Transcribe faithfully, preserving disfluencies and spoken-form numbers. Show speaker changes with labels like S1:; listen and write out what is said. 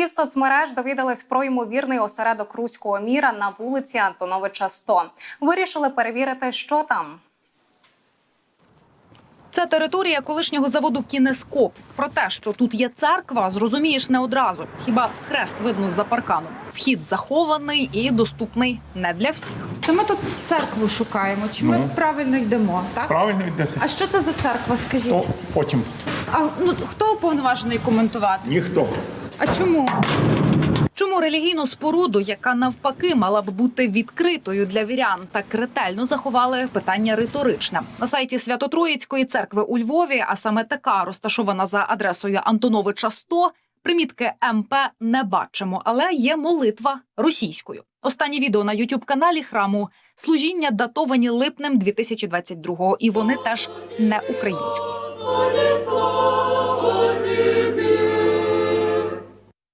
S1: Із соцмереж довідались про ймовірний осередок руського міра на вулиці Антоновича, сто. Вирішили перевірити, що там.
S2: Це територія колишнього заводу «Кінескоп». Про те, що тут є церква, зрозумієш не одразу. Хіба хрест видно з-за парканом. Вхід захований і доступний не для всіх.
S3: То ми тут церкву шукаємо, чи ми
S4: Ну.
S3: правильно йдемо, так?
S4: Правильно йдете.
S3: А що це за церква, скажіть?
S4: То потім.
S3: А ну хто уповноважений коментувати?
S4: Ніхто.
S3: А чому?
S2: Чому релігійну споруду, яка навпаки мала б бути відкритою для вірян, так ретельно заховали, питання риторичне. На сайті Свято-Троїцької церкви у Львові, а саме така, розташована за адресою Антоновича, сто, примітки ем пе не бачимо, але є молитва російською. Останні відео на ютуб-каналі храму – служіння датовані липнем дві тисячі двадцять другого, і вони теж не українською.